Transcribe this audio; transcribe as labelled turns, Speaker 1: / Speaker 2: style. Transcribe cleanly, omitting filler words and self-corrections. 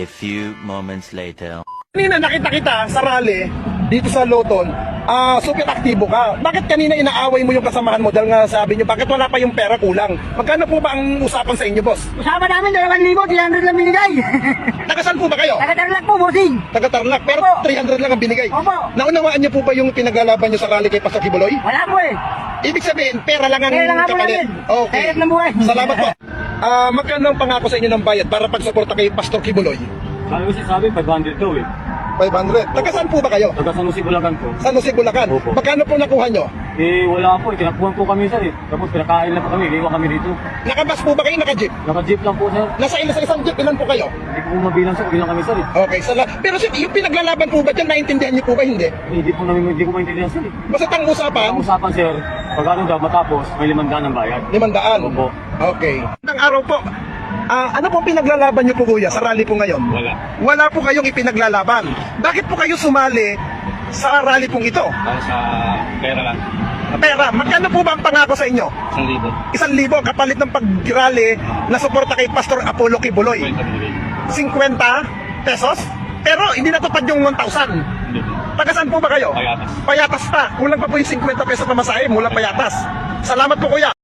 Speaker 1: few moments later.
Speaker 2: Kanina nakita kita sa rally dito sa Loton, super aktibo ka. Bakit kanina inaaway mo yung kasamahan mo dahil nga sabi niyo bakit wala pa yung pera, kulang? Magkano po ba ang usapan sa inyo, boss?
Speaker 3: Usapan namin 2,000, 300 lang binigay.
Speaker 2: Taga-saan po ba kayo?
Speaker 3: Taga-Tarlac po, bossing.
Speaker 2: Taga-Tarlac, pero
Speaker 3: Opo.
Speaker 2: 300 lang ang binigay.
Speaker 3: Opo.
Speaker 2: Naunawaan niyo po ba yung pinaglalaban niyo sa rally kay Pastor Kibuloy?
Speaker 3: Wala po eh.
Speaker 2: Ibig sabihin, pera lang ang
Speaker 3: Kaya lang nga po
Speaker 2: kapalit.
Speaker 3: namin.
Speaker 2: Okay.
Speaker 3: Kahit ng buhay.
Speaker 2: Salamat po. Magkano ang pangako sa inyo ng bayad para pagsuporta kay Pastor Kibuloy?
Speaker 4: Sabi 500 daw eh.
Speaker 2: 500. Taga-saan po ba kayo?
Speaker 4: Taga San Jose, Bulacan po.
Speaker 2: San Jose, Bulacan.
Speaker 4: Opo.
Speaker 2: Magkano po nakuha nyo?
Speaker 4: Eh, wala po. Tinapuan po kami sir eh. Tapos pinakain lang po kami. Iiwan kami dito.
Speaker 2: Nakabas po ba kayo? Naka-jeep?
Speaker 4: Naka-jeep lang po sir.
Speaker 2: Nasa isang jeep, ilan po kayo?
Speaker 4: Hindi ko po mabilang sir. Ilan kami sir eh.
Speaker 2: Okay, pero sir, yung pinaglalaban po ba dyan, naintindihan niyo po ba? Hindi.
Speaker 4: Hindi ko maintindihan sir eh.
Speaker 2: Basta ang usapan,
Speaker 4: Ang usapan sir, pag ano daw matapos, may 500 ang bayad.
Speaker 2: 500.
Speaker 4: Opo.
Speaker 2: Okay. Ang araw po, ano po pinaglalaban niyo po kuya sa rally po ngayon?
Speaker 4: Wala.
Speaker 2: Wala po kayong ipinaglalaban. Bakit po kayo sumali sa rally pong ito?
Speaker 4: Para sa pera lang.
Speaker 2: Pera, magkano po ba ang pangako sa inyo?
Speaker 4: 1,000.
Speaker 2: 1,000 kapalit ng pag-rally na suporta kay Pastor Apollo Kibuloy. 50 pesos? Pero hindi natupad yung 1,000.
Speaker 4: Hindi po.
Speaker 2: Taga saan po ba kayo?
Speaker 4: Payatas.
Speaker 2: Payatas pa. Kulang pa po yung 50 pesos na masahe mula Payatas. Salamat po kuya.